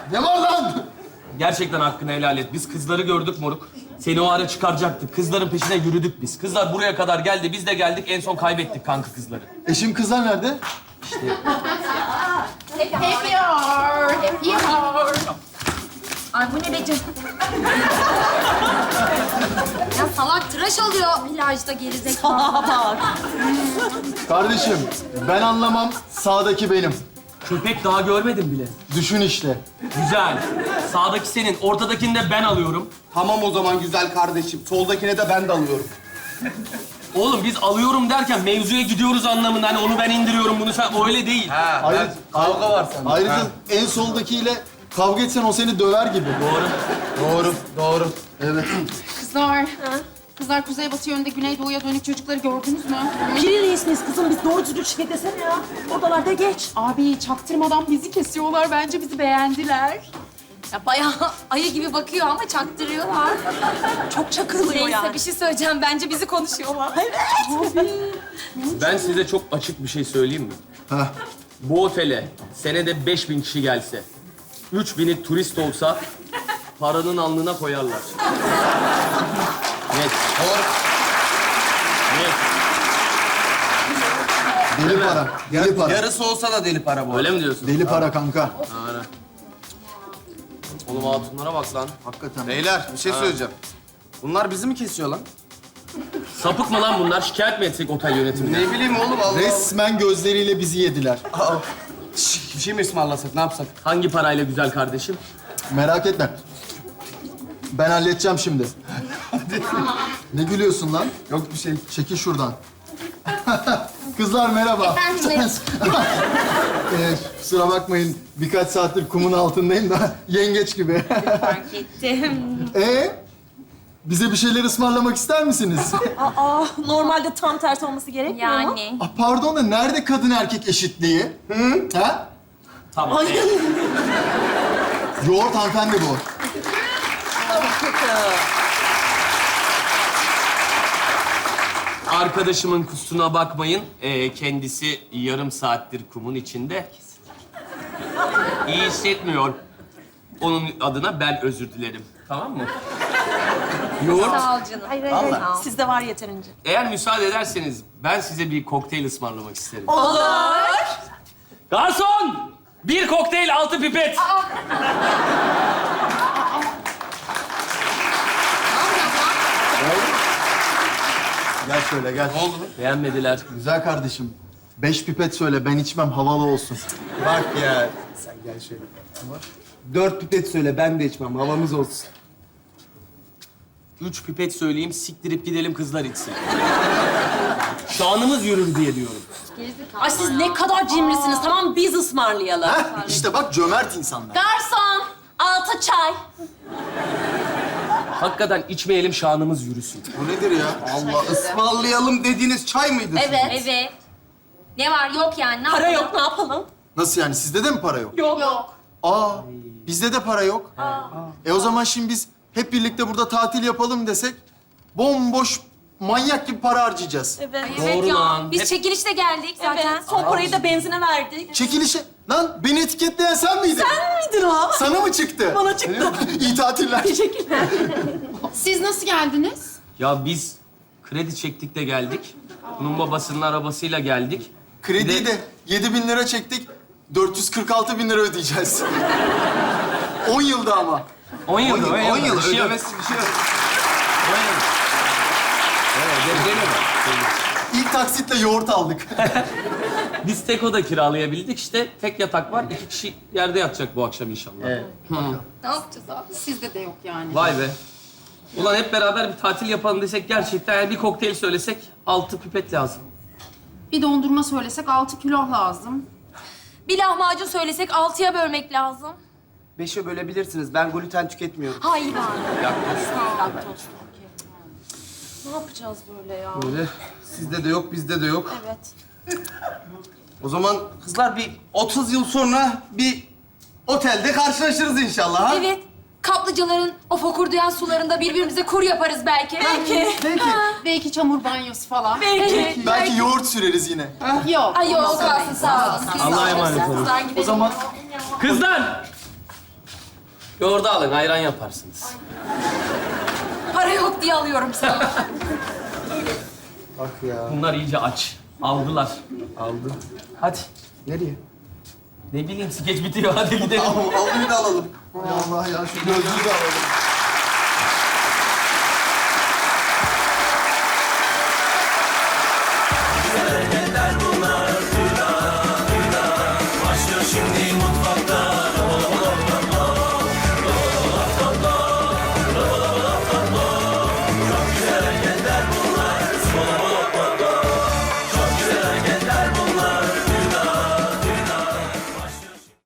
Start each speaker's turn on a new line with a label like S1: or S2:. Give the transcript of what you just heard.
S1: Ne var lan?
S2: Gerçekten hakkını helal et. Biz kızları gördük moruk. Seni o ara çıkaracaktık. Kızların peşine yürüdük biz. Kızlar buraya kadar geldi. Biz de geldik. En son kaybettik kanka kızları.
S1: Eşim kızlar nerede?
S3: Ay bu ne be canım? Ya salak tıraş oluyor plajda gerizekalı.
S1: Kardeşim, ben anlamam. Sağdaki benim.
S2: Köpek daha görmedim bile.
S1: Düşün işte.
S2: Güzel. Sağdaki senin, ortadakini de ben alıyorum.
S4: Tamam o zaman güzel kardeşim. Soldakine de ben de alıyorum.
S2: Oğlum biz alıyorum derken mevzuya gidiyoruz anlamında. Hani onu ben indiriyorum, bunu sen... O öyle değil.
S4: Kavga var sende.
S1: Ayrıca en soldakiyle kavga etsen o seni döver gibi.
S4: Doğru.
S1: Evet.
S5: Kızlar kuzeybatı yönünde güneydoğuya dönük çocukları gördünüz mü?
S6: Pirireyiz miyiz kızım? Biz doğru düzgün şike desene ya. Oradalarda geç.
S5: Abi çaktırmadan bizi kesiyorlar. Bence bizi beğendiler.
S3: Ya bayağı ayı gibi bakıyor ama çaktırıyorlar.
S6: Çok çakılıyor
S3: Neyse
S6: yani.
S3: bir şey söyleyeceğim. Bence bizi konuşuyorlar.
S2: Ben size çok açık bir şey söyleyeyim mi?
S1: Heh.
S2: Bu otele senede 5000 kişi gelse, 3000'i turist olsa paranın alnına koyarlar. Net.
S4: Doğru.
S2: Net.
S1: Deli para. Deli para.
S4: Yarısı olsa da deli para bu.
S2: Öyle mi diyorsun?
S1: Deli para kanka.
S2: Oğlum hatunlara bak lan.
S1: Hakikaten.
S4: Beyler bir şey söyleyeceğim. Bunlar bizi mi kesiyor lan?
S2: Sapık mı lan bunlar? Şikayet mi etsek otel yönetimine?
S4: Ne bileyim oğlum Allah.
S1: Resmen gözleriyle bizi yediler.
S4: Bir şey mi ısmarlasak ne yapsak?
S2: Hangi parayla güzel kardeşim?
S1: Merak etme. Ben halledeceğim şimdi. Ne gülüyorsun lan?
S4: Yok bir şey.
S1: Çekil şuradan. Kızlar merhaba. Kusura bakmayın. Birkaç saattir kumun altındayım da yengeç gibi.
S3: Fark ettim.
S1: Bize bir şeyler ısmarlamak ister misiniz?
S6: Normalde tam tersi olması gerekmiyor mu?
S3: Yani.
S1: Pardon da nerede kadın erkek eşitliği? Hı? Ha?
S2: Tamam.
S6: Ay.
S1: Yoğurt hanımefendi bu.
S2: Arkadaşımın kusuruna bakmayın. Kendisi yarım saattir kumun içinde. İyi hissetmiyor. Onun adına ben özür dilerim. Tamam mı? Yoğurt.
S3: Sağ ol canım. Hayır.
S6: Sizde var yeterince.
S2: Eğer müsaade ederseniz ben size bir kokteyl ısmarlamak isterim.
S6: Olur.
S2: Garson! Bir kokteyl, 6 pipet.
S1: Gel şöyle gel.
S4: Ne oldu?
S2: Beğenmediler.
S1: Güzel kardeşim. 5 pipet söyle ben içmem havalı olsun.
S4: Bak ya. Sen gel şöyle. 4 pipet söyle ben de içmem. Havamız olsun.
S2: 3 pipet söyleyeyim, siktirip gidelim kızlar içsin. Şanımız yürür diye diyorum.
S6: Ay siz ne kadar cimrisiniz. Tamam biz ısmarlayalım.
S1: Heh, işte bak cömert insanlar.
S6: Garson, 6 çay.
S2: Hakikaten içmeyelim, şanımız yürüsün.
S4: Bu nedir ya? Allah ısmarlayalım dediğiniz çay mıydı?
S3: Evet. Ne var yok yani. Ne
S6: Para
S3: yapalım?
S6: yok ne yapalım?
S1: Nasıl yani sizde de mi para yok?
S6: Yok.
S1: Aa bizde de para yok. O zaman şimdi biz hep birlikte burada tatil yapalım desek bomboş manyak gibi para harcayacağız.
S6: Evet.
S3: Evet
S2: Doğru
S3: ya.
S2: lan.
S3: Biz
S2: Hep-
S3: çekilişte geldik zaten.
S6: Evet. Son parayı da benzine verdik.
S1: Çekilişe... Lan beni etiketleyen sen miydin?
S6: Sen miydin o?
S1: Sana mı çıktı?
S6: Bana çıktı.
S1: İyi tatiller.
S6: Teşekkürler.
S5: Siz nasıl geldiniz?
S2: Ya biz kredi çektik de geldik. Bunun babasının arabasıyla geldik.
S1: Krediyi de 7.000 lira çektik. 446.000 lira ödeyeceğiz. 10 yılda ama.
S2: 10 yıl.
S4: 10 yıl
S2: Bir şey yok.
S4: ödemesi bir şey yok.
S2: 10 yıl. Evet, denelim.
S1: İlk taksitle yoğurt aldık.
S2: Biz tek oda kiralayabildik işte. Tek yatak var. 2 kişi yerde yatacak bu akşam inşallah. Evet.
S5: Ne yapacağız abi? Sizde de yok yani.
S2: Vay be. Ulan hep beraber bir tatil yapalım desek gerçekten yani bir kokteyl söylesek 6 pipet lazım.
S5: Bir dondurma söylesek 6 kilo lazım.
S3: Bir lahmacun söylesek 6'ya bölmek lazım.
S4: 5'e bölebilirsiniz. Ben gluten tüketmiyorum.
S3: Hayır abi.
S6: Ne yapacağız böyle ya?
S4: Böyle sizde de yok, bizde de yok.
S6: Evet.
S4: O zaman kızlar bir 30 yıl sonra bir otelde karşılaşırız inşallah ha?
S3: Evet. Kaplıcaların o fokurdayan sularında birbirimize kur yaparız belki.
S6: Peki.
S5: Belki çamur banyosu falan.
S6: Peki.
S1: Belki yoğurt süreriz yine.
S5: Yok.
S3: Ay yok
S5: ondan sonra
S3: kalsın sağ olun.
S5: değil.
S2: Allah'a emanet olun.
S3: Kızlar gidelim.
S1: O zaman
S2: Kızlar! Yoğurdu alın, ayran yaparsınız.
S3: Para yok diye alıyorum sana.
S1: Bak ya.
S2: Bunlar iyice aç. Aldılar.
S1: Aldı.
S2: Hadi.
S1: Nereye?
S2: Ne bileyim, skeç bitiyor. Hadi gidelim.
S1: Al bir de alalım. Hay Allah ya, şu gözlüğü de alalım.